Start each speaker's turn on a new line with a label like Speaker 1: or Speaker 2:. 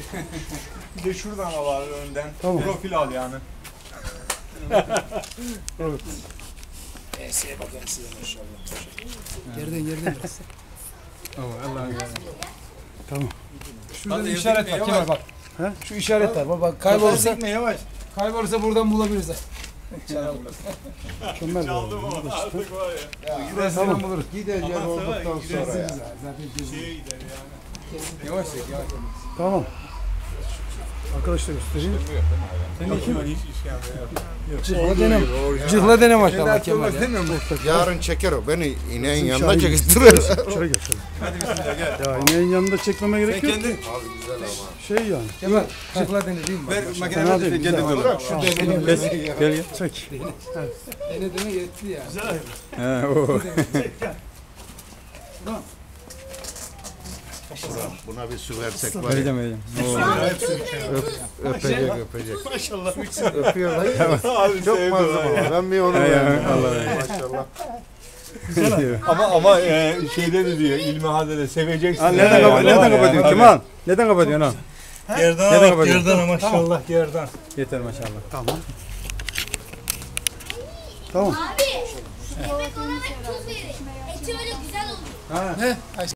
Speaker 1: Bir de şuradan al abi önden.
Speaker 2: Tamam.
Speaker 1: Profil al yani.
Speaker 2: Evet.
Speaker 3: Enseye bak enseye maşallah. Geriden biraz.
Speaker 4: Allah'ım ya.
Speaker 2: Tamam.
Speaker 3: Şurada
Speaker 1: Hadi
Speaker 3: işaret
Speaker 1: yazık
Speaker 3: var
Speaker 1: ya,
Speaker 3: Kemal bak.
Speaker 2: He?
Speaker 3: Şu işaret var. Bak kaybolursa
Speaker 1: Yavaş.
Speaker 3: buradan bulabiliriz.
Speaker 2: Mükemmel.
Speaker 1: Çaldım ama artık var ya.
Speaker 3: Gidersen buluruz.
Speaker 4: Gideceğiz
Speaker 1: Ama
Speaker 4: olduktan
Speaker 1: sonra
Speaker 4: sonra ya.
Speaker 3: Zaten
Speaker 1: Şeye gider yani.
Speaker 3: yavaş yavaş.
Speaker 2: Tamam. Arkadaşlar göstereyim.
Speaker 1: Hiç işkembe yok.
Speaker 3: Cıhla dene. Cıhla dene maşallah Kemal ya.
Speaker 4: Yarın çeker o. Beni ineğin yanına çekiştirir.
Speaker 2: Şöyle gel şöyle.
Speaker 1: Hadi bismillah gel.
Speaker 2: Ya ineğin yanında çekmeme
Speaker 1: Sen
Speaker 2: gerek yok.
Speaker 1: kendi
Speaker 4: Abi güzel ama.
Speaker 2: Şey yani.
Speaker 3: Kemal cıhla dene değil mi?
Speaker 1: ver
Speaker 2: Fena
Speaker 1: makineye
Speaker 2: değil,
Speaker 1: de
Speaker 2: güzel.
Speaker 1: kendi böyle.
Speaker 4: Bırak şu deneni.
Speaker 2: Gel gel. Çek.
Speaker 3: Dene yetti ya.
Speaker 1: He o.
Speaker 4: Buna bir su versek var ya.
Speaker 1: Vereceğim.
Speaker 4: Öpecek. Maşallah. Öpüyor lan. Çok mazlum ama. Ben bir onu beğendim. Maşallah.
Speaker 1: Ama şeyde de diyor İlmi Hade'de seveceksin.
Speaker 2: Neden kapatıyorsun Kemal? Neden kapatıyorsun ha?
Speaker 1: Gerdana bak gerdana maşallah gerdan.
Speaker 4: Yeter maşallah.
Speaker 2: Tamam. Tamam.
Speaker 5: Abi, yemek ona ve tuz verin. Eti öyle güzel olur.
Speaker 3: He?